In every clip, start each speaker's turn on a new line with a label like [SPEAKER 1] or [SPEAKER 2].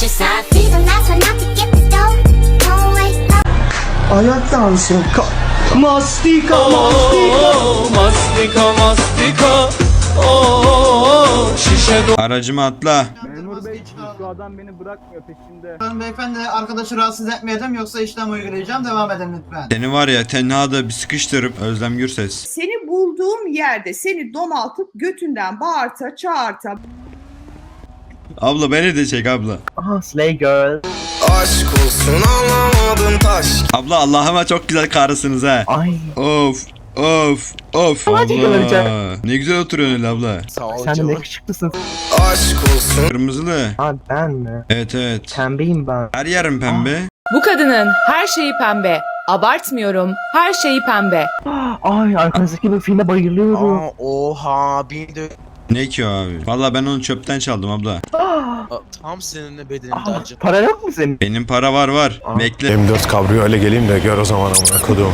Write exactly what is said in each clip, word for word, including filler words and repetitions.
[SPEAKER 1] your side. Reason that's why not to get the dough. Don't wait no.
[SPEAKER 2] Ayak dansı. Ka- mastika, mastika.
[SPEAKER 3] Mastika mastika oh, şişe do-
[SPEAKER 4] Aracıma atla.
[SPEAKER 5] Memur bey şu adam beni bırakmıyor peşinde.
[SPEAKER 6] Beyefendi arkadaşı rahatsız etmeyelim yoksa işlem uygulayacağım. Devam edin lütfen.
[SPEAKER 4] Seni var ya tenhada bir sıkıştırıp Özlem Gürses.
[SPEAKER 7] Seni bulduğum yerde seni domaltıp götünden bağırta çağırta.
[SPEAKER 4] Abla beni de çek abla.
[SPEAKER 2] Aha Slay Girl.
[SPEAKER 3] Aşk olsun anlamadın taş.
[SPEAKER 4] Abla Allah'ıma çok güzel karısınız ha.
[SPEAKER 2] Ay.
[SPEAKER 4] Of of of.
[SPEAKER 2] Hadi
[SPEAKER 4] Abla.
[SPEAKER 2] göreceğim.
[SPEAKER 4] Ne güzel oturuyorsun öyle abla.
[SPEAKER 3] Sağ ol
[SPEAKER 2] Sen de ne
[SPEAKER 3] canım.
[SPEAKER 2] yakışıklısın.
[SPEAKER 3] Aşk olsun.
[SPEAKER 4] Kırmızılı.
[SPEAKER 2] Ha ben mi?
[SPEAKER 4] Evet evet.
[SPEAKER 2] Pembeyim ben.
[SPEAKER 4] Her yerim pembe.
[SPEAKER 8] Bu kadının her şeyi pembe. Abartmıyorum. Her şeyi pembe.
[SPEAKER 2] Ay arkanızdaki bir filme bayılıyorum.
[SPEAKER 3] Aa, oha bir de
[SPEAKER 4] Ne ki o abi? Valla ben onu çöpten çaldım abla.
[SPEAKER 3] Aa, tam seninle bedenimde
[SPEAKER 2] Aa,
[SPEAKER 3] acı.
[SPEAKER 2] para yok mu senin?
[SPEAKER 4] Benim para var var.
[SPEAKER 2] Aa.
[SPEAKER 4] Bekle.
[SPEAKER 9] M dört kabriyo öyle geleyim de gör o zaman amına kodum.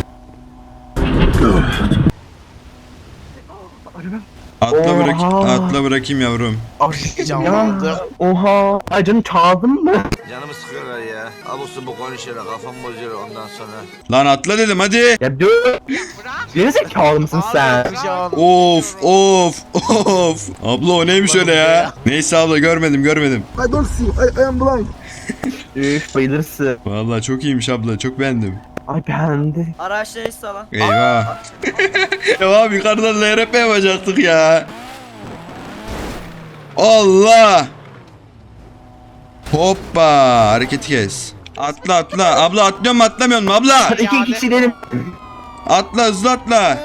[SPEAKER 4] Atla bırak,
[SPEAKER 2] Oha.
[SPEAKER 4] atla bırakayım yavrum.
[SPEAKER 3] Canlandı.
[SPEAKER 2] Ya oha. Ay canım çaldın mı?
[SPEAKER 10] Canımı sıkıyorlar ya. Abusu bu konuşuyorlar. Kafam bozuyor ondan sonra.
[SPEAKER 4] Lan atla dedim hadi.
[SPEAKER 2] Ya dur. Gerizekalı mısın sen?
[SPEAKER 4] Of of of. Abla o neymiş öyle ya? Neyse abla görmedim görmedim.
[SPEAKER 2] I don't see. I, I am blind. Üf bayılırsın.
[SPEAKER 4] Valla çok iyiymiş abla çok beğendim.
[SPEAKER 2] Ay beğendi.
[SPEAKER 6] Araçları sağlam.
[SPEAKER 4] Eyvah. Ya abi yukarıdan L R P yapacaktık ya. Allah. Hoppa hareketi kes. Atla atla. Abla atlıyor mu atlamıyor mu abla?
[SPEAKER 2] Hadi iki kişi dedim.
[SPEAKER 4] Atla hızlı atla.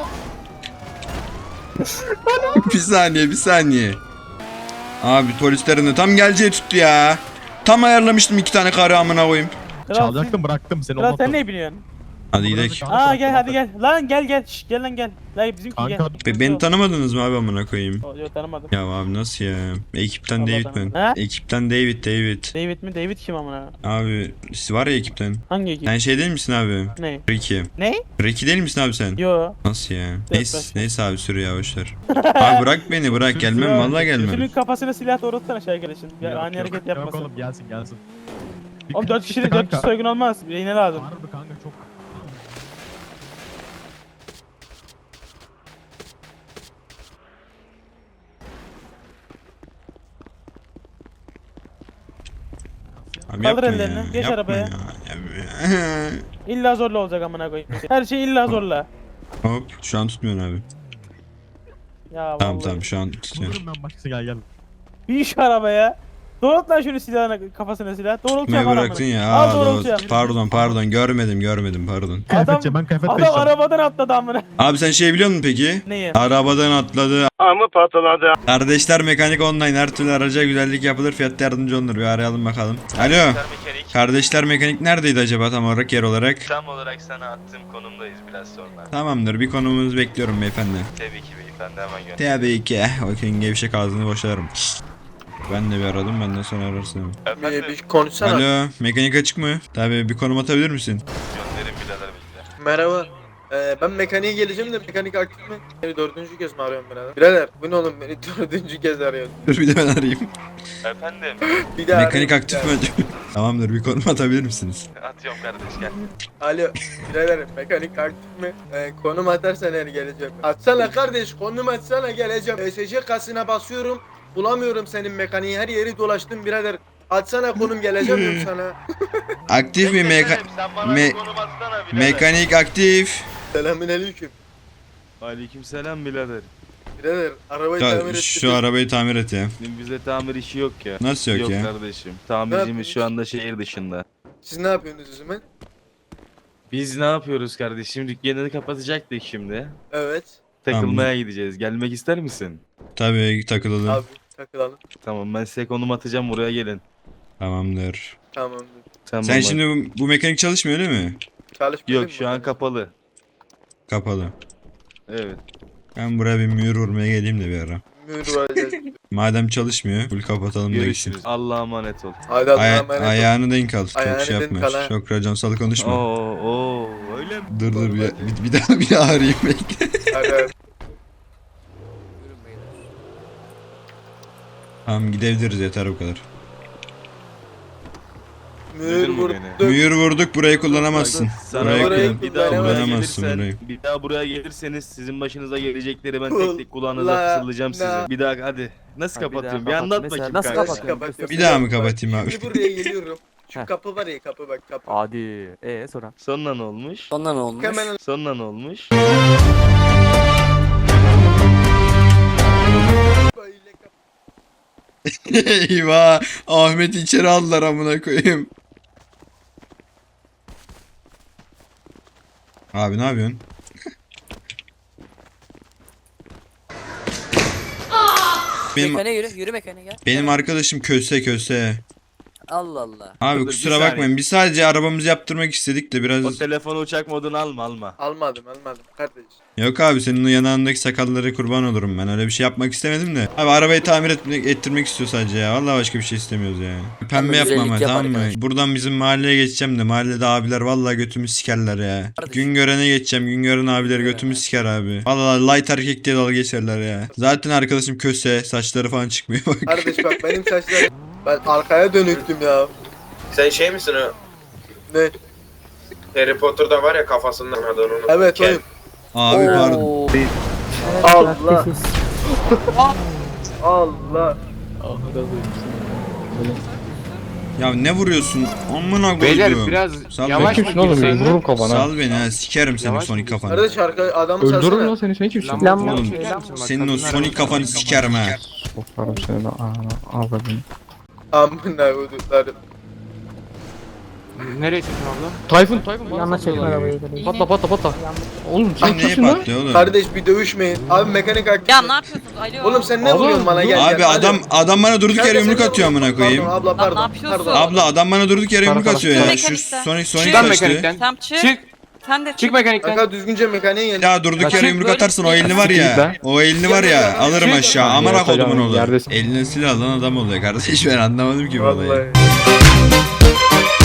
[SPEAKER 4] Bir saniye bir saniye. Abi polislerin de tam geleceği tuttu ya. Tam ayarlamıştım iki tane karı amına koyayım.
[SPEAKER 5] Çalacaktım bıraktım seni. Kral sen ne biliyorsun?
[SPEAKER 4] Hadi gidelim.
[SPEAKER 5] Aa gel hadi gel. Lan gel gel. Şş, gel lan gel. Lan bizimki gel.
[SPEAKER 4] Be- beni tanımadınız mı abi amına koyayım?
[SPEAKER 5] Yok tanımadım.
[SPEAKER 4] Ya abi nasıl ya? Ekipten
[SPEAKER 5] Allah
[SPEAKER 4] David
[SPEAKER 5] tanımadım.
[SPEAKER 4] ben.
[SPEAKER 5] Ha?
[SPEAKER 4] Ekipten David David.
[SPEAKER 5] David mi? David kim amına?
[SPEAKER 4] Abi siz var ya ekipten.
[SPEAKER 5] Hangi ekip?
[SPEAKER 4] Sen şey değil misin abi?
[SPEAKER 5] Ne?
[SPEAKER 4] Ricky.
[SPEAKER 5] Ne?
[SPEAKER 4] Ricky değil misin abi sen?
[SPEAKER 5] Yo.
[SPEAKER 4] Nasıl ya?
[SPEAKER 5] Evet,
[SPEAKER 4] Neyse,
[SPEAKER 5] bırak.
[SPEAKER 4] neyse abi sürü ya boşver. Abi bırak beni bırak gelmem vallahi
[SPEAKER 5] Şunun
[SPEAKER 4] gelmem.
[SPEAKER 5] kafasına silah doğrultsana şey arkadaşın. Ya, ani hareket yapmasın.
[SPEAKER 11] Yok oğlum gelsin gelsin.
[SPEAKER 5] Oğlum dört kişi de dört kişi soygun olmaz. Birine lazım.
[SPEAKER 11] Harbi kanka çok.
[SPEAKER 4] Abi
[SPEAKER 5] Kaldır
[SPEAKER 4] yapma
[SPEAKER 5] ellerini,
[SPEAKER 4] ya,
[SPEAKER 5] geç
[SPEAKER 4] yapma
[SPEAKER 5] arabaya.
[SPEAKER 4] ya. Ya-
[SPEAKER 5] İlla zorla olacak amına koyayım. Her şey illa zorla.
[SPEAKER 4] Hop şu an tutmuyorsun abi.
[SPEAKER 5] Ya
[SPEAKER 4] Tamam
[SPEAKER 5] vallahi.
[SPEAKER 4] tamam şu an tutuyor.
[SPEAKER 11] Bulurum ben başkası gel gel.
[SPEAKER 5] Bir şu arabaya. Doğrult lan şunu silahına kafasına silah. Doğrultuyor
[SPEAKER 4] Tutmayı
[SPEAKER 5] bana
[SPEAKER 4] bıraktın
[SPEAKER 5] amına.
[SPEAKER 4] ya.
[SPEAKER 5] Al
[SPEAKER 4] Aa,
[SPEAKER 5] doğrultuyor.
[SPEAKER 4] doğru. Pardon pardon görmedim görmedim pardon.
[SPEAKER 11] Kıyafetçi ben kıyafet
[SPEAKER 5] Adam
[SPEAKER 11] değiştirdim.
[SPEAKER 5] arabadan atladı amına.
[SPEAKER 4] Abi sen şey biliyor musun peki?
[SPEAKER 5] Neyi?
[SPEAKER 4] Arabadan atladı.
[SPEAKER 5] Amı patladı.
[SPEAKER 4] Kardeşler Mekanik Online her türlü araca güzellik yapılır fiyatta yardımcı olunur. Bir arayalım bakalım. Alo. Kardeşler Mekanik neredeydi acaba tam olarak yer olarak?
[SPEAKER 12] Tam olarak sana attığım konumdayız biraz sonra.
[SPEAKER 4] Tamamdır bir konumunuzu bekliyorum beyefendi.
[SPEAKER 12] Tabii ki beyefendi hemen gönder.
[SPEAKER 4] Tabii ki. Bakın gevşek ağzını boşarım. Ben de bir aradım benden sonra ararsın.
[SPEAKER 12] Efendim
[SPEAKER 3] Bir, bir konuşsana.
[SPEAKER 4] Alo mekanik açık mı? Tabii bir konum atabilir misin?
[SPEAKER 12] gönderin birader bilgiler.
[SPEAKER 3] Merhaba. Ee, ben mekaniğe geleceğim de mekanik aktif mi? Beni dördüncü kez mi arıyorsun birader? Birader bu ne oğlum beni dördüncü kez arıyorsun.
[SPEAKER 4] Dur bir de ben arayayım.
[SPEAKER 12] Efendim
[SPEAKER 3] Bir daha
[SPEAKER 4] Mekanik
[SPEAKER 3] arayayım,
[SPEAKER 4] aktif
[SPEAKER 3] bir
[SPEAKER 4] mi acaba? Tamamdır bir konum atabilir misiniz?
[SPEAKER 12] atıyorum kardeş gel.
[SPEAKER 3] daha. Alo birader mekanik aktif mi? Ee, konum atarsan eğer geleceğim. Atsana kardeş konum atsana geleceğim. E S C kasına basıyorum. Bulamıyorum senin mekaniği her yeri dolaştım birader. Atsana konum geleceğim diyorum sana.
[SPEAKER 4] Aktif mi meka
[SPEAKER 12] Sen bana
[SPEAKER 4] me-
[SPEAKER 12] bir konum atsana birader.
[SPEAKER 4] mekanik aktif.
[SPEAKER 3] Selamünaleyküm.
[SPEAKER 12] Aleykümselam birader.
[SPEAKER 3] Birader arabayı
[SPEAKER 4] Ta-
[SPEAKER 3] tamir ettim.
[SPEAKER 4] şu arabayı tamir et ya.
[SPEAKER 12] Bize tamir işi yok ya.
[SPEAKER 4] Nasıl yok, ya?
[SPEAKER 12] kardeşim.
[SPEAKER 3] Ne
[SPEAKER 12] Tamircimiz
[SPEAKER 3] yapıyorsunuz?
[SPEAKER 12] şu anda şehir dışında.
[SPEAKER 3] Siz ne yapıyorsunuz o zaman?
[SPEAKER 12] Biz ne yapıyoruz kardeşim? Dükkanını kapatacaktık şimdi.
[SPEAKER 3] Evet.
[SPEAKER 12] Takılmaya gideceğiz. Gelmek ister misin?
[SPEAKER 4] Tabii takılalım.
[SPEAKER 3] Abi takılalım.
[SPEAKER 12] Tamam ben size konum atacağım buraya gelin.
[SPEAKER 4] Tamamdır.
[SPEAKER 3] Tamamdır.
[SPEAKER 12] Tamam,
[SPEAKER 4] Sen
[SPEAKER 12] hadi.
[SPEAKER 4] şimdi bu, bu mekanik çalışmıyor değil mi?
[SPEAKER 3] Çalışmıyor
[SPEAKER 12] Yok şu an kapalı.
[SPEAKER 4] Kapalı.
[SPEAKER 12] Evet.
[SPEAKER 4] Ben buraya bir mühür vurmaya geleyim de bir ara.
[SPEAKER 3] Mühür varacağız.
[SPEAKER 4] Madem çalışmıyor, full kapatalım da gitsin.
[SPEAKER 12] Görüşürüz. Allah'a emanet ol.
[SPEAKER 3] Hadi Allah'a
[SPEAKER 4] Aya-
[SPEAKER 3] emanet ol.
[SPEAKER 4] ayağını denk al. Çok
[SPEAKER 3] Ayağını
[SPEAKER 4] şey
[SPEAKER 3] denk
[SPEAKER 4] yapma.
[SPEAKER 3] al ha.
[SPEAKER 4] Çok raconsalı konuşma.
[SPEAKER 12] Oo, oo öyle mi?
[SPEAKER 4] Dur dur bir, bir, bir daha bir daha arayayım bekle.
[SPEAKER 3] Hadi hadi.
[SPEAKER 4] Tamam gidebiliriz yeter bu kadar.
[SPEAKER 3] Mühür
[SPEAKER 12] Duydun mu
[SPEAKER 3] vurduk.
[SPEAKER 12] beni?
[SPEAKER 4] Mühür vurduk, burayı kullanamazsın.
[SPEAKER 12] Sana
[SPEAKER 4] Burayı
[SPEAKER 3] burayı
[SPEAKER 4] kullan-
[SPEAKER 12] bir daha buraya
[SPEAKER 4] kullanamazsın
[SPEAKER 12] gelirsen,
[SPEAKER 4] burayı.
[SPEAKER 12] bir daha buraya gelirseniz sizin başınıza gelecekleri ben
[SPEAKER 3] Kul-
[SPEAKER 12] tek tek kulağınıza
[SPEAKER 3] la-
[SPEAKER 12] fısıldayacağım size.
[SPEAKER 3] la-
[SPEAKER 12] Bir daha hadi. Nasıl
[SPEAKER 5] Ha, bir daha
[SPEAKER 12] kapatıyorum? Bir
[SPEAKER 5] kapat.
[SPEAKER 12] anlat
[SPEAKER 5] Mesela
[SPEAKER 12] bakayım
[SPEAKER 5] nasıl
[SPEAKER 12] kanka.
[SPEAKER 5] kapatıyorum?
[SPEAKER 3] Kapat.
[SPEAKER 4] Bir daha mı kapatayım abi?
[SPEAKER 3] Şimdi buraya geliyorum. Şu
[SPEAKER 5] Heh.
[SPEAKER 3] kapı var ya kapı bak kapı.
[SPEAKER 5] Hadi. Ee sonra.
[SPEAKER 12] Sonra ne olmuş?
[SPEAKER 5] Sonra ne olmuş?
[SPEAKER 3] Hemen
[SPEAKER 12] Sonra ne olmuş?
[SPEAKER 3] böyle kapı.
[SPEAKER 4] Eyvah. Ahmet içeri aldılar amına koyayım. Abi ne yapıyorsun? benim
[SPEAKER 5] Mekane yürü, yürü mekane gel.
[SPEAKER 4] benim arkadaşım köse köse.
[SPEAKER 5] Allah Allah.
[SPEAKER 4] Abi
[SPEAKER 12] Dur,
[SPEAKER 4] kusura
[SPEAKER 12] bir saniye.
[SPEAKER 4] bakmayın. Biz sadece arabamızı yaptırmak istedik de biraz.
[SPEAKER 12] O telefonu uçak moduna alma alma.
[SPEAKER 3] Almadım almadım kardeş.
[SPEAKER 4] Yok abi senin o yanağındaki sakallara kurban olurum ben. Öyle bir şey yapmak istemedim de. Abi arabayı tamir etmek, ettirmek istiyor sadece ya. Vallahi başka bir şey istemiyoruz yani. Pembe yapma ama
[SPEAKER 5] güzellik
[SPEAKER 4] tamam
[SPEAKER 5] yap
[SPEAKER 4] mı?
[SPEAKER 5] arkadaş.
[SPEAKER 4] Buradan bizim mahalleye geçeceğim de mahallede abiler vallahi götümü sikerler ya. Gün görene geçeceğim. Gün gören abiler götümü siker abi. Vallahi light erkek diye dalga geçerler ya. Zaten arkadaşım köse, saçları falan çıkmıyor bak.
[SPEAKER 3] Kardeş bak benim saçlarım. Ben arkaya dönüktüm ya.
[SPEAKER 10] Sen şey misin o?
[SPEAKER 3] Ne?
[SPEAKER 10] Harry Potter'da var ya kafasından adını onu.
[SPEAKER 3] Evet
[SPEAKER 10] Kel.
[SPEAKER 3] oyum.
[SPEAKER 4] Abi pardon.
[SPEAKER 5] Oo.
[SPEAKER 3] Allah. Allah.
[SPEAKER 4] Ya ne vuruyorsun? Amına
[SPEAKER 11] Beyler
[SPEAKER 4] koyduğum.
[SPEAKER 11] biraz
[SPEAKER 4] Sal
[SPEAKER 11] yavaş
[SPEAKER 4] beni.
[SPEAKER 11] mı kimsin? Vururum kafana.
[SPEAKER 4] Sal beni ha sikerim senin
[SPEAKER 11] Yavaş
[SPEAKER 4] sonik kafanı.
[SPEAKER 3] Kardeş arka adamı
[SPEAKER 11] Öldürürüm
[SPEAKER 3] çalsana.
[SPEAKER 11] lan seni, sen kimsin?
[SPEAKER 4] Oğlum senin o sonik kafanı sikerim ha.
[SPEAKER 11] Sokarım seni lan. Ağladım.
[SPEAKER 3] Amına koduklarım.
[SPEAKER 11] Nereye çekin abla? Tayfun, Tayfun. Yanına çekin arabayı. Patla patla patla. Oğlum sen
[SPEAKER 4] Sen neye
[SPEAKER 11] kimsin lan?
[SPEAKER 4] patlıyor oğlum?
[SPEAKER 3] Kardeş bir dövüşmeyin. Abi mekanik aktif.
[SPEAKER 8] Ya ne yapıyorsunuz? Alo.
[SPEAKER 3] Oğlum sen ne
[SPEAKER 11] Oğlum,
[SPEAKER 3] vuruyorsun bana gel
[SPEAKER 4] Abi
[SPEAKER 3] gel.
[SPEAKER 4] adam adam bana durduk
[SPEAKER 3] Kanka
[SPEAKER 4] yere
[SPEAKER 3] sen
[SPEAKER 4] yumruk
[SPEAKER 3] ne
[SPEAKER 4] atıyor amına
[SPEAKER 3] vuruyorsun?
[SPEAKER 4] koyayım.
[SPEAKER 3] Pardon abla pardon.
[SPEAKER 8] ne yapıyorsun?
[SPEAKER 3] Pardon.
[SPEAKER 4] Abla adam bana durduk yere yumruk
[SPEAKER 11] Para,
[SPEAKER 4] atıyor
[SPEAKER 11] para.
[SPEAKER 4] ya. Şu
[SPEAKER 8] Mekanikten.
[SPEAKER 4] Sonic Sonic
[SPEAKER 8] Çık
[SPEAKER 4] kaçtı.
[SPEAKER 8] Tamam çık.
[SPEAKER 11] Çık.
[SPEAKER 8] Sen de çık.
[SPEAKER 11] Çık mekanikten.
[SPEAKER 3] Kanka düzgünce mekaniğe gel.
[SPEAKER 4] Ya durduk yere yumruk atarsan o elini var ya. O elini var ya alırım aşağı. Amına kodumun oğlu.
[SPEAKER 11] Yerdesin.
[SPEAKER 4] Eline silah alan adam oluyor kardeş ben anlamadım ki bu olayı.
[SPEAKER 3] Vallahi.